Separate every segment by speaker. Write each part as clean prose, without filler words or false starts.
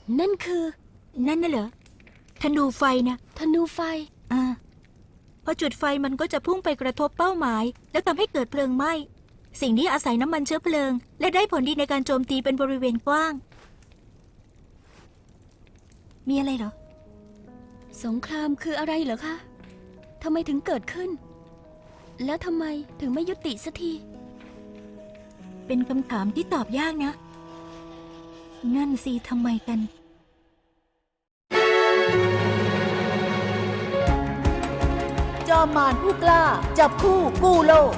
Speaker 1: นั่นคือ
Speaker 2: นั่นน่ะเหรอธนูไฟนะ
Speaker 1: ธนูไฟ
Speaker 2: พอจุดไฟมันก็จะพุ่งไปกระทบเป้าหมายแล้วทำให้เกิดเพลิงไหม้สิ่งนี้อาศัยน้ำมันเชื้อเพลิงและได้ผลดีในการโจมตีเป็นบริเวณกว้างมีอะไรเหรอ
Speaker 1: สงครามคืออะไรเหรอคะทำไมถึงเกิดขึ้นแล้วทำไมถึงไม่ยุติสักที
Speaker 2: เป็นคำถามที่ตอบยากนะนั่นสิทำไมกัน
Speaker 3: จอมมารผู้กล้าจับคู่กู้โลก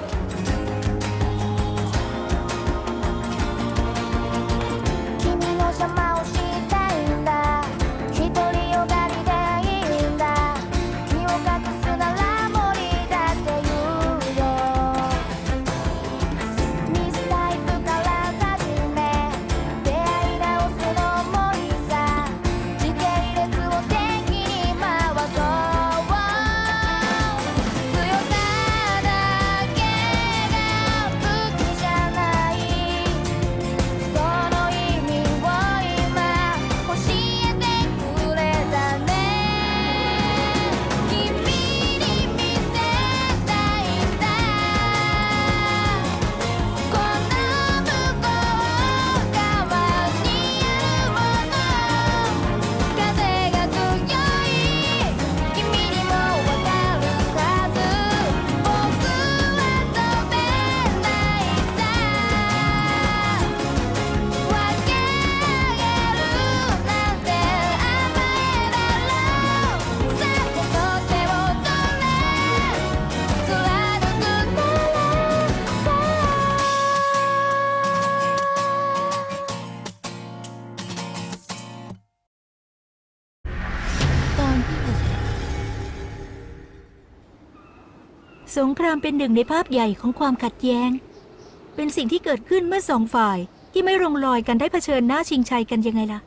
Speaker 2: สงครามเป็นหนึ่งในภาพใหญ่ของความขัดแย้งเป็นสิ่งที่เกิดขึ้นเมื่อสองฝ่ายที่ไม่ลงรอยกันได้เผชิญหน้าชิงชัยกันยังไงล่ะ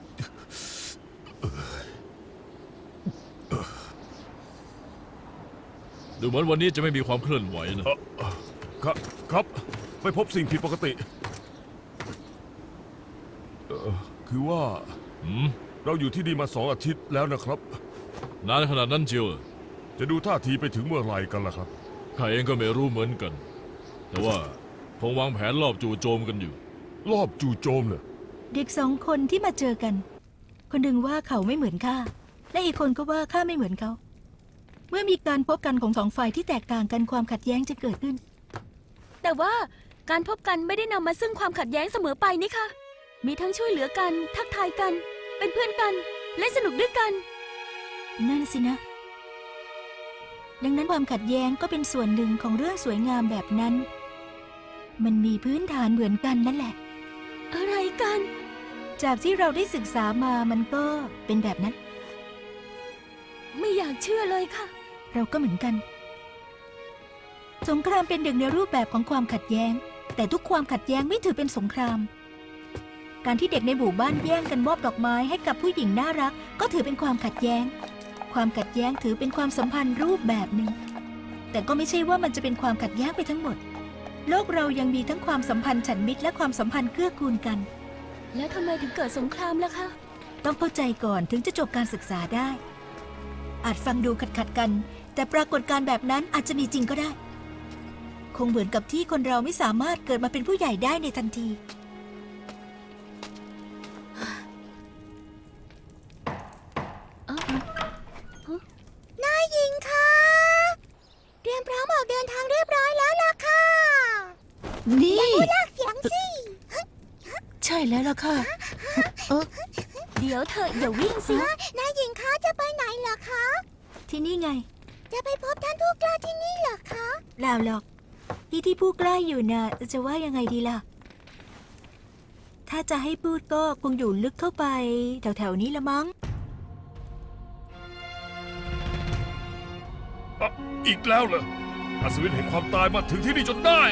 Speaker 4: ดูเหมือนวันนี้จะไม่มีความเคลื่อนไหว
Speaker 5: นะครับไม่พบสิ่งผิดปกติคือว่าเราอยู่ที่นี่มา2 อาทิตย์แล้วนะครับ
Speaker 4: นานขนาดนั้นเชียว
Speaker 5: จะดูท่าทีไปถึงเมื่อไหร่กันล่ะครับ
Speaker 4: ข้าเองก็ไม่รู้เหมือนกันแต่ว่าคงวางแผนรอบจู่โจมกันอยู่
Speaker 5: รอบจู่โจมเนี่ย
Speaker 2: เด็ก2 คนที่มาเจอกันคนหนึ่งว่าเขาไม่เหมือนข้าและอีกคนก็ว่าข้าไม่เหมือนเขาเมื่อมีการพบกันของ2 ฝ่ายที่แตกต่างกันความขัดแย้งจะเกิดขึ้น
Speaker 1: แต่ว่าการพบกันไม่ได้นำมาซึ่งความขัดแย้งเสมอไปนี่ค่ะมีทั้งช่วยเหลือกันทักทายกันเป็นเพื่อนกันและสนุกด้วยกัน
Speaker 2: นั่นสินะดังนั้นความขัดแย้งก็เป็นส่วนหนึ่งของเรื่องสวยงามแบบนั้นมันมีพื้นฐานเหมือนกันนั่นแหละ
Speaker 1: อะไรกัน
Speaker 2: จากที่เราได้ศึกษามามันก็เป็นแบบนั้น
Speaker 1: ไม่อยากเชื่อเลยค่ะ
Speaker 2: เราก็เหมือนกันสงครามเป็นหนึ่งในรูปแบบของความขัดแย้งแต่ทุกความขัดแย้งไม่ถือเป็นสงครามการที่เด็กในหมู่บ้านแย่งกันมอบดอกไม้ให้กับผู้หญิงน่ารักก็ถือเป็นความขัดแย้งความขัดแย้งถือเป็นความสัมพันธ์รูปแบบหนึ่งแต่ก็ไม่ใช่ว่ามันจะเป็นความขัดแย้งไปทั้งหมดโลกเรายังมีทั้งความสัมพันธ์ฉันมิตรและความสัมพันธ์เกื้อกูลกัน
Speaker 1: แล้วทำไมถึงเกิดสงครามล่ะคะ
Speaker 2: ต้องเข้าใจก่อนถึงจะจบการศึกษาได้อาจฟังดูขัดกันแต่ปรากฏการณ์แบบนั้นอาจจะมีจริงก็ได้คงเหมือนกับที่คนเราไม่สามารถเกิดมาเป็นผู้ใหญ่ได้ในทันที
Speaker 6: นายหญิงคะเตรียมพร้อมออกเดินทางเรียบร้อยแล้วล่ะค่ะ
Speaker 3: นี่
Speaker 6: อย่าพูดลากเสียงสิ
Speaker 3: ใช่แล้วล่ะค่ะ
Speaker 1: เดี๋ยวเธออย่าวิ่งสิ
Speaker 6: นายหญิงคะจะไปไหนเหรอคะ
Speaker 2: ที่นี่ไง
Speaker 6: จะไปพบท่านผู้กล้าที่นี่เหรอคะ
Speaker 2: เปล่าหรอกที่ผู้กล้าอยู่น่ะจะว่ายังไงดีล่ะถ้าจะให้พูดก็คงอยู่ลึกเข้าไปแถวๆนี้ละมั้ง
Speaker 5: อีกแล้วเหรออัศวินแห่งความตายมาถึงที่นี่จนได้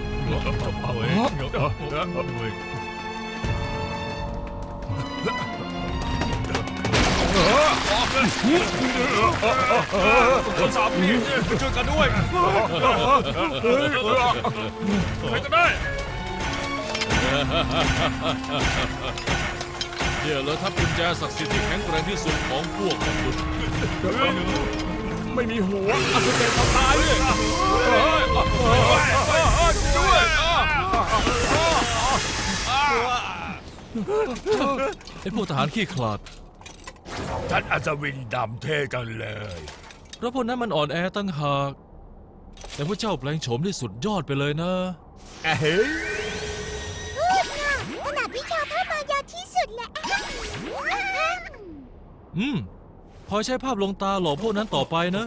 Speaker 4: คนสามพี่ช่วยกันด้วยใครก็ได้เนี่ยเลยทัพกุญแจศักดิ์สิทธิ์ที่แข็งแกร่งที่สุดของพวกมนุษย์
Speaker 5: ไม่มีหัวอัศจรรย์ทำตายเลย
Speaker 4: ไอ้พวกทหารขี้ขลาด
Speaker 5: ท่านอัศวินดำเท่จังเลย
Speaker 4: เพราะพวกนั้นมันอ่อนแอตั้งหาก แต่พระเจ้าแปลงโฉมที่สุดยอดไปเลยนะ
Speaker 5: เฮ้ย
Speaker 6: ขนาดวิชาพ่อมายาที่สุดแหละ
Speaker 4: พอใช้ภาพลวงตาหลอกพวกนั้นต่อไปนะ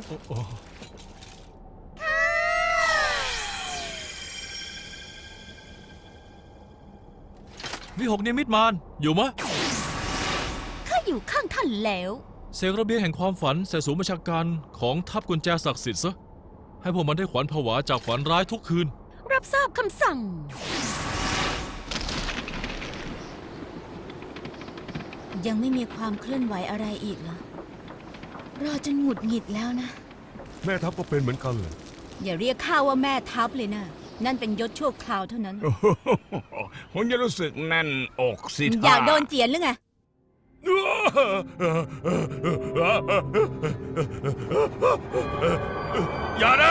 Speaker 4: วิหกนิมิตมารอยู่มะ
Speaker 1: ข้าอยู่ข้างท่านแล้ว
Speaker 4: เสกระเบียงแห่งความฝันใส่ศูนย์บัญชาการของทัพกุญแจศักดิ์สิทธิ์ซะ ให้พวกมันได้ขวัญผวาจากฝันร้ายทุกคืน
Speaker 1: รับทราบคำสั่ง
Speaker 7: ยังไม่มีความเคลื่อนไหวอะไรอีกเหรอ รอจนหงุดหงิดแล้วนะ
Speaker 5: แม่ทัพก็เป็นเหมือนกันเลย
Speaker 7: อย่าเรียกข้าว่าแม่ทัพเลยนะ นั่นเป็นยศชั่วคราวเท่านั้น
Speaker 8: ผมจะรู้สึกแน่นอกสิ
Speaker 7: อยากโดนเจียนหรือไง
Speaker 5: อย่านะ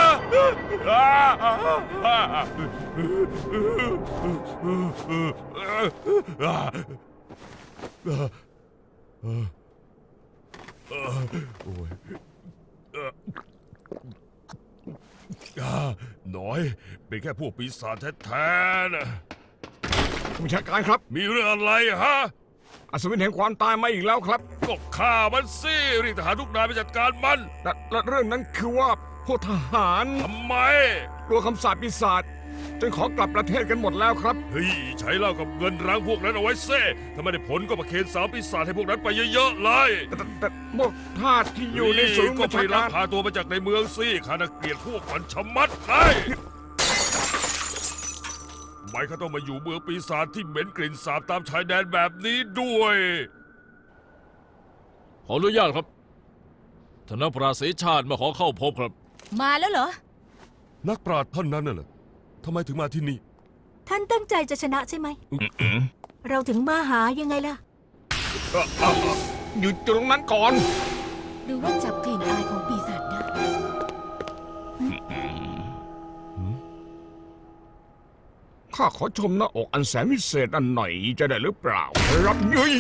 Speaker 5: น้อย เป็นแค่พวกปีศาจแท้ๆนะ
Speaker 8: ผู้บัญชาการครับ
Speaker 5: มีเรื่องอะไรฮะ
Speaker 8: อัศวินแห่งความตายมาอีกแล้วครับ
Speaker 5: ก็ฆ่ามันสิเรียกทหารทุกนายไปจัดการมัน
Speaker 8: และเรื่องนั้นคือว่าพวกทหาร
Speaker 5: ทำไม
Speaker 8: กลัวคำสาปปีศาจจนขอกลับประเทศกันหมดแล้วครับ
Speaker 5: เฮ้ย ใช้เหล้ากับเงินรั้งพวกนั้นเอาไว้เซ่ถ้าไม่ได้ผลก็ประเคนสาวปีศาจให้พวกนั้นไปเยอะๆเลย
Speaker 8: แต่พวกทาสที่อยู่ในศูนย์
Speaker 5: ก็
Speaker 8: บัญ
Speaker 5: ไป
Speaker 8: ชา
Speaker 5: ลัก
Speaker 8: การ
Speaker 5: พาตัวมาจากในเมืองสิข้าน่ะเกลียดพวกมันชะมัดเลยทำไมเขาต้องมาอยู่เมืองปีศาจที่เหม็นกลิ่นสาบตามชายแดนแบบนี้ด้วย
Speaker 4: ขออนุญาตครับท่านนักปราศรีชาติมาขอเข้าพบครับ
Speaker 7: มาแล้วเหรอ
Speaker 5: นักปราชญ์ท่านนั้นน่ะเหรอทำไมถึงมาที่นี่
Speaker 2: ท่านตั้งใจจะชนะใช่ไหม เราถึงมาหายังไงล่ะ
Speaker 8: หยุดตรงนั้นก่อน
Speaker 7: หรือว่าจับกลิ่นอายของปีศาจได้
Speaker 8: ข้าขอชมหน้าอกอันแสนวิเศษอันหน่อยจะได้หรือเปล่า รับเย้ย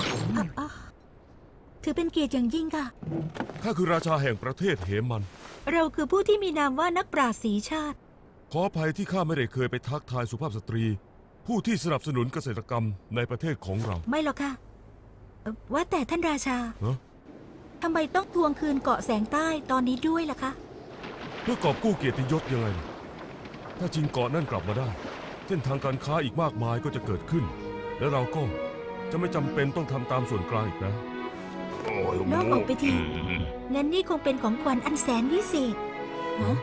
Speaker 2: ถือเป็นเกียรติอย่างยิ่งค่ะ
Speaker 5: ข้าคือราชาแห่งประเทศเหมัน
Speaker 2: เราคือผู้ที่มีนามว่านักปราชญ์ศรีชาติ
Speaker 5: ขออภัยที่ข้าไม่ได้เคยไปทักทายสุภาพสตรี ผู้ที่สนับสนุนเกษตรกรรมในประเทศของเรา
Speaker 2: ไม่หรอกค่ะว่าแต่ท่านราชา
Speaker 5: ฮะ
Speaker 2: ทำไมต้องทวงคืนเกาะแสงใต้ตอนนี้ด้วยล่ะคะ
Speaker 5: เพื่อกอบกู้เกียรติยศยังไงล่ะถ้าจริงเกาะนั่นกลับมาได้เส้นทางการค้าอีกมากมายก็จะเกิดขึ้น และเราก็จะไม่จำเป็นต้องทำตามส่วนกลางอีกนะ
Speaker 2: นอกออกไปที งั้นนี่คงเป็นของขวัญอันแสนวิเศษฮะ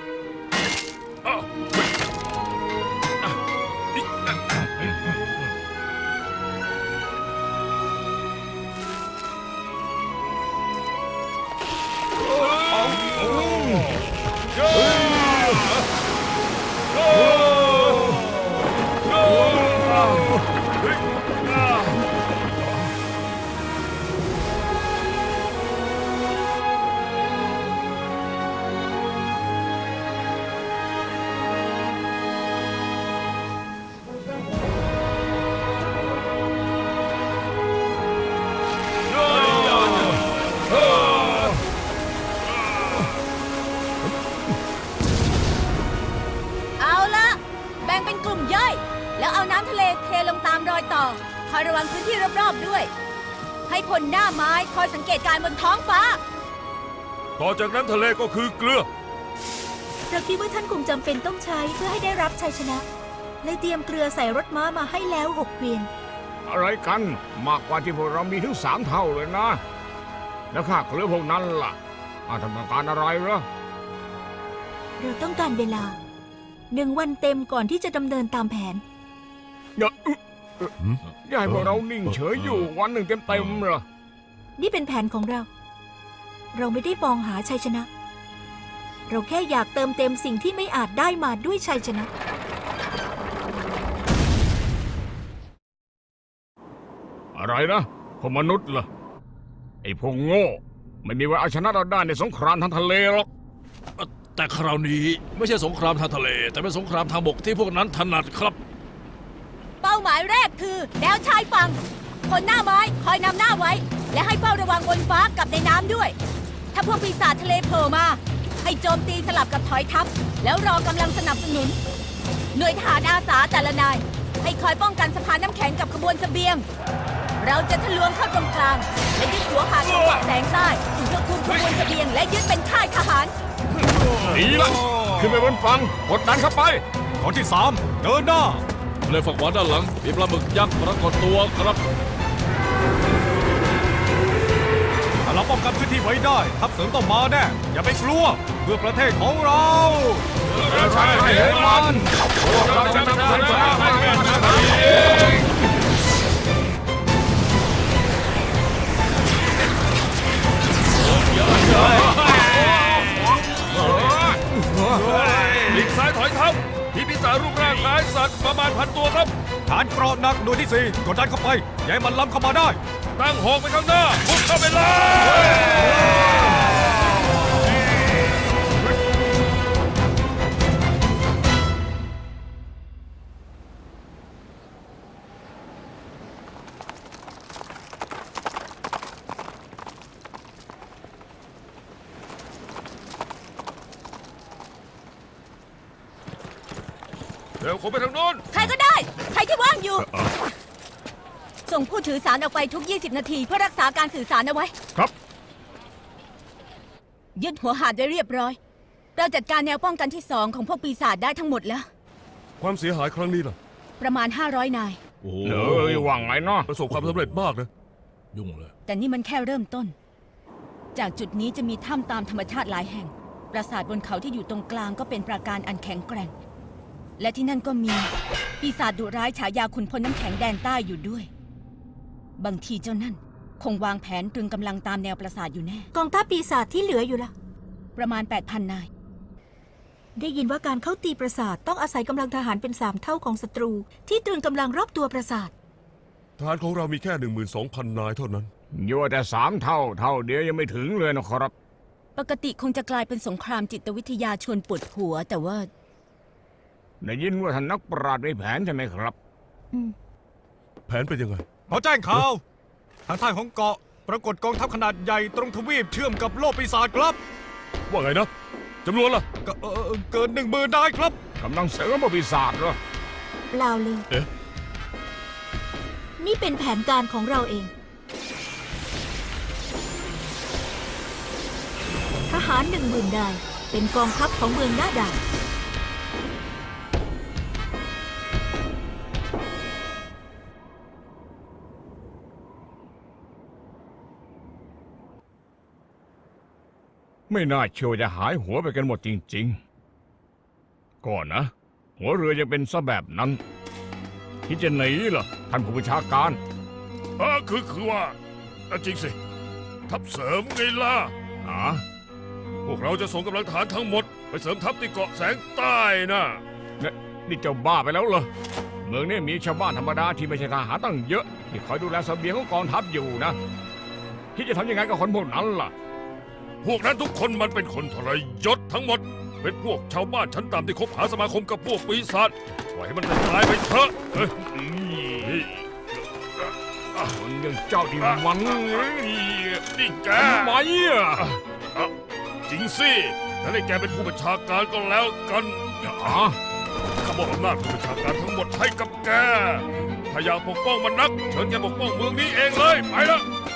Speaker 7: เอาละแบ่งเป็นกลุ่มย่อย แล้วเอาน้ำทะเลเทลงตามรอยต่อ คอยระวังพื้นที่รอบๆด้วย ให้พลหน้าไม้คอยสังเกตการณ์บนท้องฟ้า
Speaker 5: ต่อจากนั้นทะเลก็คือเกลือ
Speaker 2: เราคิดว่าท่านคงจำเป็นต้องใช้เพื่อให้ได้รับชัยชนะ เลยเตรียมเกลือใส่รถม้ามาให้แล้ว6 เกวียน
Speaker 8: อะไรกัน มากกว่าที่พวกเรามีถึง3 เท่าเลยนะ แล้วข้าเกลือพวกนั้นล่ะทำการอะไรเหรอ
Speaker 2: เราต้องการเวลา 1 วันเต็มก่อนที่จะดำเนินตามแผน
Speaker 8: อย่าให้พวกเรานิ่งเฉยอยู่วันหนึ่งเต็มๆเหรอ
Speaker 2: นี่เป็นแผนของเรา เราไม่ได้มองหาชัยชนะ เราแค่อยากเติมเต็มสิ่งที่ไม่อาจได้มาด้วยชัยชนะ
Speaker 8: ออะไรนะพวกมนุษย์เหรอไอ้พวกโง่ ไม่มีวันเอาชนะเราได้ในสงครามทางทะเลหรอก
Speaker 4: แต่คราวนี้ไม่ใช่สงครามทางทะเล แต่เป็นสงครามทางบกที่พวกนั้นถนัดครับ
Speaker 7: เป้าหมายแรกคือแนวชายฝั่งคนหน้าไม้คอยนำหน้าไว้ และให้เฝ้าระวังบนฟ้ากับในน้ำด้วย ถ้าพวกปีศาจทะเลโผล่มา ให้โจมตีสลับกับถอยทัพ แล้วรอกำลังสนับสนุน หน่วยทหารอาสาแต่ละนาย ให้คอยป้องกันสะพานน้ำแข็งกับขบวนเสบียง เราจะทะลวงเข้าตรงกลางและยึดหัวหาดจังหวะแสงใต้เพื่อคุมขบวนเสบียงและยึดเป็นค่ายทหาร
Speaker 8: ดีละขึ้นไปบนฝั่งกดดันเข้าไป
Speaker 9: ตอนที่ 3 เดินหน้า
Speaker 4: เลยฝั่งขวาด้านหลังมีปลาหมึกยักษ์ปรากฏตัวครับ
Speaker 9: ถ้าเราป้องกันพื้นที่ไว้ได้ทัพเสริมต้องมาแน่ อย่าไปกลัว เพื่อประเทศของเรา
Speaker 8: ใช่ให้มันเราจะนำชัยชนะให้แก่ชาติเอง
Speaker 4: หลีกซ้ายถอยทัพมีปีศาจรูปร่างคล้ายสัตว์ประมาณ1,000 ตัวครับ
Speaker 9: ฐานเกราะหนักหน่วยที่ 4 กดดันเข้าไป อย่าให้มันล้ำเข้ามาได้
Speaker 4: ตั้งหอกไปข้างหน้าพุ่งเข้าไปเลย เร็วผมไปทางโน้น
Speaker 7: ใครก็ได้ ใครที่ว่างอยู่ ส่งผู้ถือสารออกไปทุก 20 นาทีเพื่อรักษาการสื่อสารเอาไว้
Speaker 8: ครับ
Speaker 7: ยึดหัวหาดไว้เรียบร้อย เราจัดการแนวป้องกันที่ 2 ของพวกปีศาจได้ทั้งหมดแล้ว
Speaker 5: ความเสียหายครั้งนี้ล่ะ
Speaker 7: ประมาณ 500 นาย
Speaker 4: โอ้
Speaker 8: เอ้ยว่างไงเนาะ
Speaker 5: ประสบความสำเร็จมากนะ
Speaker 4: ยุ่งเลย
Speaker 7: แต่นี่มันแค่เริ่มต้น จากจุดนี้จะมีถ้ำตามธรรมชาติหลายแห่ง ปราสาทบนเขาที่อยู่ตรงกลางก็เป็นปราการอันแข็งแกร่ง และที่นั่นก็มีปีศาจดุร้ายฉายาขุนพลน้ำแข็งแดนใต้อยู่ด้วย บางทีเจ้านั่นคงวางแผนตรึงกำลังตามแนวปราสาทอยู่แน่
Speaker 2: กองทัพปีศาจที่เหลืออยู่ล่ะ
Speaker 7: ประมาณ 8,000 นาย
Speaker 2: ได้ยินว่าการเข้าตีปราสาทต้องอาศัยกำลังทหารเป็น 3 เท่าของศัตรู ที่ตรึงกำลังรอบตัวปราสาท
Speaker 5: ทหารของเรามีแค่ 12,000 นายเท่านั้น
Speaker 8: อยู่แต่3 เท่าเดียวยังไม่ถึงเลยนะครับ
Speaker 7: ปกติคงจะกลายเป็นสงครามจิตวิทยาชวนปวดหัว แต่ว่า
Speaker 8: ได้ยินว่าท่านนักปราชญ์มีแผนใช่ไหมครับ
Speaker 5: แผนเป็นยังไง
Speaker 9: ขอแจ้งข่าว ทางใต้ของเกาะ ปรากฏกองทัพขนาดใหญ่ตรงทวีปเชื่อมกับโลกปีศาจครับ
Speaker 5: ว่าไงนะจำนวนล่ะ
Speaker 9: เกิน 10,000 นายครับ
Speaker 8: กำลังเสริมปีศาจเหรอ
Speaker 2: เปล่าเลย
Speaker 5: เอ๊ะ
Speaker 2: นี่เป็นแผนการของเราเอง ทหาร 10,000 นาย เป็นกองทัพของเมืองหน้าด่าน
Speaker 8: ไม่น่าเชื่อว่าจะหายหัวไปกันหมดจริงๆ ก่อนนะ หัวเรือยังเป็นซะแบบนั้นคิดจะหนีเหรอท่านผู้บัญชาการ
Speaker 5: คือว่าจริงสิ ทัพเสริมไงล่ะ
Speaker 8: อ๋อ
Speaker 5: พวกเราจะส่งกำลังทหารทั้งหมด ไปเสริมทัพที่เกาะแสงใต้นะ
Speaker 8: นี่เจ้าบ้าไปแล้วเหรอ เมืองนี้มีชาวบ้านธรรมดาที่ไม่ใช่ทหารตั้งเยอะ ที่คอยดูแลเสบียงของกองทัพอยู่นะคิดจะทำยังไงกับคนพวกนั้นล่ะ
Speaker 5: พวกนั้นทุกคนมันเป็นคนทรยศทั้งหมด เป็นพวกชาวบ้านชั้นต่ำที่คบหาสมาคมกับพวกปีศาจปล่อยให้มันตายไปเถอะเฮ้ย
Speaker 8: คนอย่างเจ้าที่มัน
Speaker 5: นี่แก
Speaker 8: ทำไมอ่ะ
Speaker 5: จริงสิถ้าได้แกเป็นผู้บัญชาการก็แล้วกัน
Speaker 8: อ๋อ
Speaker 5: ข้ามอบอำนาจผู้บัญชาการทั้งหมดให้กับแก ถ้าอยากปกป้องมันนัก เชิญแกปกป้องเมืองนี้เองเลย ไปละ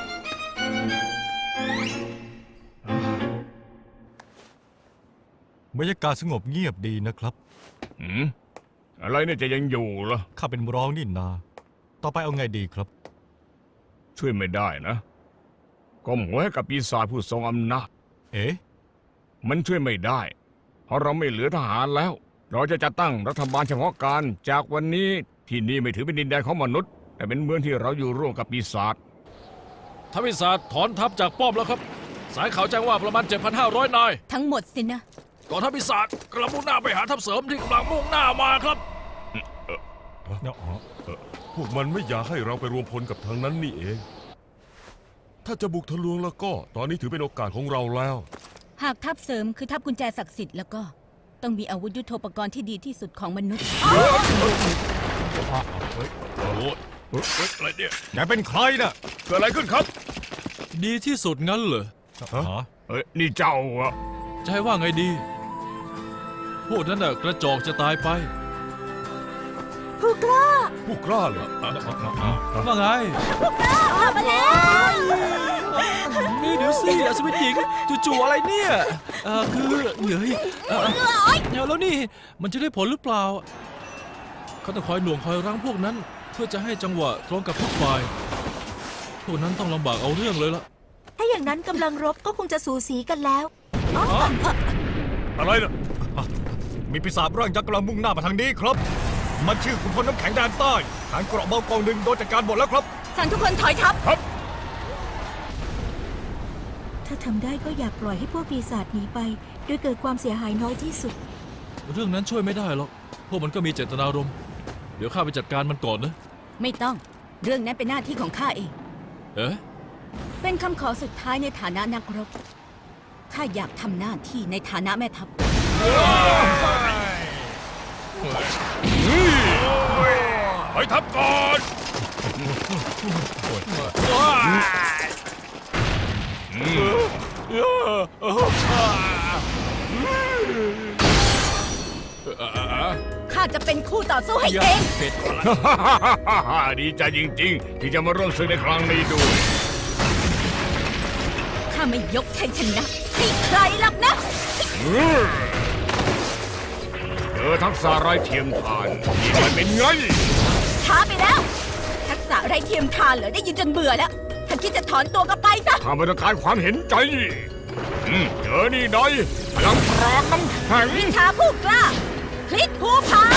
Speaker 9: บรรยากาศสงบเงียบดีนะครับ
Speaker 8: อะไรเนี่ยจะยังอยู่เหรอ
Speaker 9: ข้าเป็นร้องนี่นา ต่อไปเอาไงดีครับ
Speaker 8: ช่วยไม่ได้นะก้มหัวให้กับปีศาจผู้ทรงอำนาจ
Speaker 9: เอ๊ะ
Speaker 8: มันช่วยไม่ได้ เพราะเราไม่เหลือทหารแล้ว เราจะจัดตั้งรัฐบาลเฉพาะการจากวันนี้ที่นี่ไม่ถือเป็นดินแดนของมนุษย์ แต่เป็นเมืองที่เราอยู่ร่วมกับปีศาจ
Speaker 4: ทัพปีศาจถอนทัพจากป้อมแล้วครับ สายข่าวแจ้งว่าประมาณ 7,500 นาย
Speaker 7: ทั้งหมดสินะ
Speaker 4: กองทัพปีศาจกำลังมุ่งหน้าไปหาทัพเสริมที่กำลังมุ่งหน้ามาครับ
Speaker 5: พวกมันไม่อยากให้เราไปรวมพลกับทางนั้นนี่เอง ถ้าจะบุกทะลวงแล้วก็ ตอนนี้ถือเป็นโอกาสของเราแล้ว
Speaker 7: หากทัพเสริมคือทัพกุญแจศักดิ์สิทธิ์แล้วก็ ต้องมีอาวุธยุทโธปกรณ์ที่ดีที่สุดของมนุษย์
Speaker 4: โอ้ยอะไรเนี่ย
Speaker 9: แกเป็นใครน่ะ
Speaker 5: เกิดอะไรขึ้นครับ
Speaker 4: ดีที่สุดงั้นเหรอ
Speaker 9: ฮะ
Speaker 8: นี่เจ้าอะ
Speaker 4: จะให้ว่าไงดี พวกนั้นน่ะกระจอกจะตายไป
Speaker 3: ผู้กล้า
Speaker 5: ผู้กล้าเลย
Speaker 4: ว่าไง
Speaker 3: มาแล้ว
Speaker 4: นี่เดี๋ยวสิอัศวินหญิงจู่ๆอะไรเนี่ยคือเหนื่อยแล้วนี่มันจะได้ผลหรือเปล่าเขาต้องคอยหน่วงคอยรั้งพวกนั้น เพื่อจะให้จังหวะตรงกับทุกฝ่ายพวกนั้นต้องลำบากเอาเรื่องเลยล่ะ
Speaker 2: ถ้าอย่างนั้นกำลังรบก็คงจะสูสีกันแล้ว
Speaker 5: อะไรน่ะ
Speaker 9: มีปีศาจร่างยักษ์กำลังมุ่งหน้ามาทางนี้ครับ มันชื่อขุนพลน้ำแข็งแดนใต้ฐานเกราะเบากองหนึ่งโดนจัดการหมดแล้วครับ
Speaker 7: สั่งทุกคนถอยทัพ
Speaker 2: ถ้าทำได้ก็อยากปล่อยให้พวกปีศาจหนีไป โดยเกิดความเสียหายน้อยที่สุด
Speaker 4: เรื่องนั้นช่วยไม่ได้หรอกพวกมันก็มีเจตนารมณ์เดี๋ยวข้าไปจัดการมันก่อนนะ
Speaker 7: ไม่ต้อง เรื่องนั้นเป็นหน้าที่ของข้าเอง
Speaker 4: เอ๊ะ
Speaker 7: เป็นคำขอสุดท้ายในฐานะนักรบ ข้าอยากทำหน้าที่ในฐานะแม่ทัพ
Speaker 5: ไปทับก่อน
Speaker 7: ข้าจะเป็นคู่ต่อสู้ให้เอง
Speaker 8: ดีใจจริงๆ ที่จะมาร่วมศึกในครั้งนี้ด้วย
Speaker 7: ข้าไม่ยกชัยชนะให้ใครหรอกนะ
Speaker 8: เจอทักษะไร้เทียมทานนี่มันเป็นไง
Speaker 7: ช้าไปแล้ว ทักษะไรเทียมทานเหรอได้ยินจนเบื่อแล้ว ถ้าคิดจะถอนตัวก็ไปซะ
Speaker 8: ข้าไม่ต้องการความเห็นใจเจอนี่หน่อยพลังปราบน้ำแข็ง
Speaker 7: วิชาผู้กล้า พลิกภูผา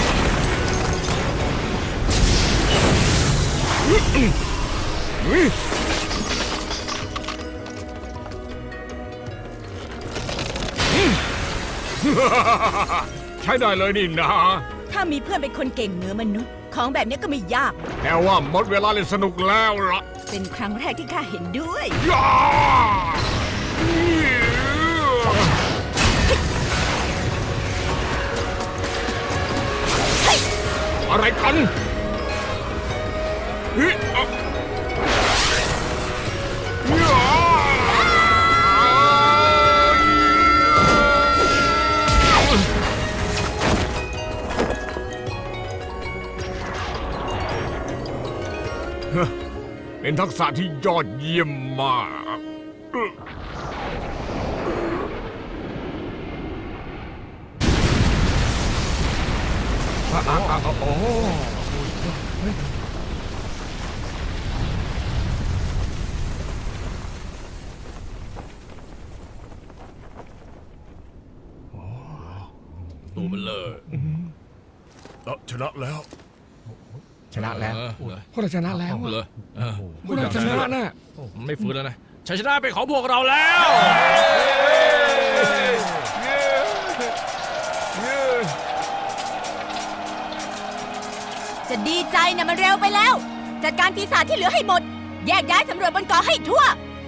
Speaker 8: ใช้ได้เลยนี่นะ
Speaker 7: ถ้ามีเพื่อนเป็นคนเก่งเหนือมนุษย์ ของแบบนี้ก็ไม่ยาก
Speaker 8: แค่ว่าหมดเวลาเล่นสนุกแล้วล่ะ
Speaker 7: เป็นครั้งแรกที่ข้าเห็นด้วย
Speaker 8: ย่าอะไรกันเฮ้ยอ่ะย่าเป็นทักษะที่ยอดเยี่ยมมากโอ้
Speaker 4: ตัวมันเลย
Speaker 5: ชนะแล้ว
Speaker 8: ชนะแล้ว
Speaker 4: เหรอ
Speaker 8: พวกเราชนะแล้ว
Speaker 4: เหรอ
Speaker 8: พวกเราชนะน่ะ
Speaker 4: ไม่ฟื้นแล้วนะชัยชนะเป็นของพวกเราแล้ว
Speaker 7: จะดีใจนะมันเร็วไปแล้ว จัดการปีศาจที่เหลือให้หมด แยกย้ายสำรวจบนเกาะให้ทั่ว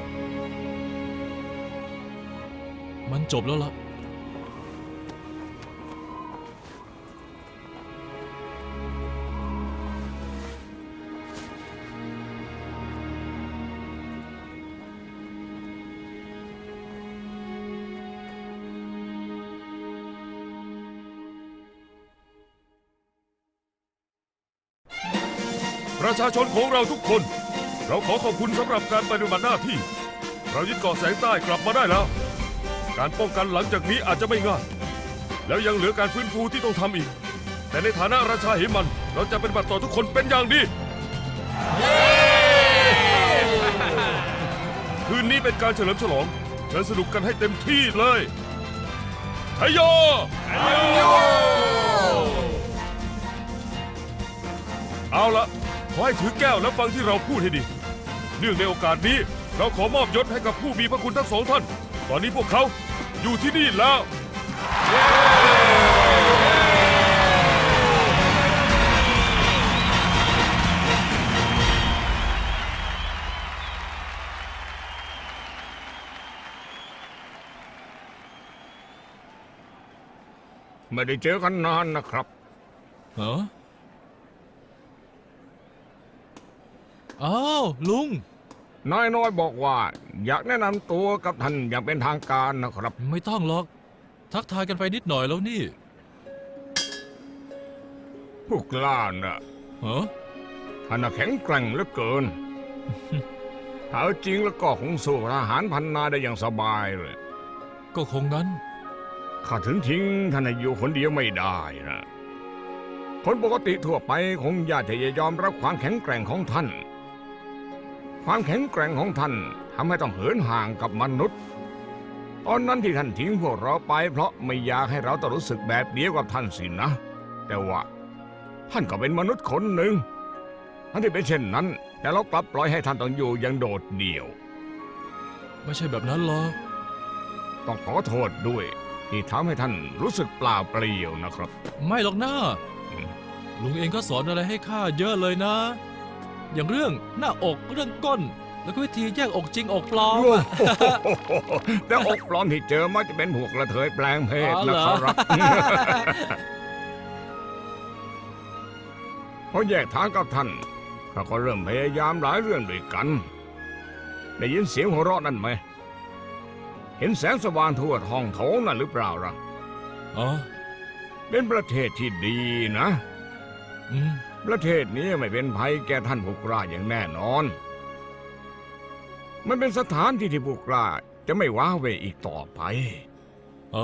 Speaker 4: มันจบแล้วล่ะ
Speaker 5: ประชาชนของเราทุกคน เราขอขอบคุณสำหรับการปฏิบัติหน้าที่ เรายึดเกาะแสงใต้กลับมาได้แล้ว การป้องกันหลังจากนี้อาจจะไม่ง่าย แล้วยังเหลือการฟื้นฟูที่ต้องทำอีก แต่ในฐานะราชาเหมัน เราจะปฏิบัติต่อทุกคนเป็นอย่างดี คืนนี้เป็นการเฉลิมฉลอง เชิญสนุกกันให้เต็มที่เลยชัยโยเอาละขอให้ถือแก้วและฟังที่เราพูดให้ดี เนื่องในโอกาสนี้ เราขอมอบยศให้กับผู้มีพระคุณทั้งสองท่าน ตอนนี้พวกเขาอยู่ที่นี่แล้ว
Speaker 8: ไม่ได้เจอกันนานนะครับ
Speaker 4: เหรออ้าวลุง
Speaker 8: นายน้อยบอกว่า อยากแนะนำตัวกับท่านอย่างเป็นทางการนะครับ
Speaker 4: ไม่ต้องหรอก ทักทายกันไปนิดหน่อยแล้วนี่
Speaker 8: ผู้กล้าน่ะ
Speaker 4: เหรอ
Speaker 8: ท่านน่ะแข็งแกร่งเหลือเกิน ถ้าเอาจริงแล้วก็คงสู้ทหารพันนายได้อย่างสบายเลย
Speaker 4: ก็คงงั้น
Speaker 8: ข้าถึงทิ้งท่านให้อยู่คนเดียวไม่ได้นะ คนปกติทั่วไปคงอยากจะยอมรับความแข็งแกร่งของท่าน ความแข็งแกร่งของท่านทำให้ต้องเหินห่างกับมนุษย์ ตอนนั้นที่ท่านทิ้งพวกเราไปเพราะไม่อยากให้เราต้องรู้สึกแบบเดียวกับท่านสินะ แต่ว่าท่านก็เป็นมนุษย์คนหนึ่งทั้งที่เป็นเช่นนั้น แต่เรากลับปล่อยให้ท่านต้องอยู่อย่างโดดเดี่ยว
Speaker 4: ไม่ใช่แบบนั้นหรอก
Speaker 8: ต้องขอโทษด้วย ที่ทำให้ท่านรู้สึกเปล่าเปลี่ยวนะครับ
Speaker 4: ไม่หรอกนะลุงเองก็สอนอะไรให้ข้าเยอะเลยนะ อย่างเรื่องหน้าอกเรื่องก้น แล้วก็วิธีแยกอกจริงอกปลอมอะ
Speaker 8: แต่อกปลอมที่เจอมักจะเป็นพวกกระเทยแปลงเพศ
Speaker 4: อ๋อเหร
Speaker 8: นะ
Speaker 4: อ
Speaker 8: ครับ พอแยกทางกับท่านข้าก็เริ่มพยายามหลายเรื่องด้วยกัน ได้ยินเสียงหัวเราะนั่นไหม เห็นแสงสว่างทั่วท้องโถงนั่นหรือเปล่าล่ะ
Speaker 4: อ๋อ
Speaker 8: เป็นประเทศที่ดีนะ
Speaker 4: อืม
Speaker 8: ประเทศนี้ไม่เป็นภัยแก่ท่านผู้กล้าอย่างแน่นอน มันเป็นสถานที่ที่ผู้กล้าจะไม่ว้าเหวอีกต่อไป
Speaker 4: อ๋อ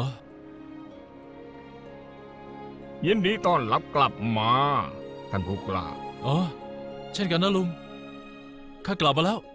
Speaker 8: ยินดีต้อนรับกลับมาท่านผู้กล้า
Speaker 4: อ๋อ เช่นกันนะลุง ข้ากลับมาแล้ว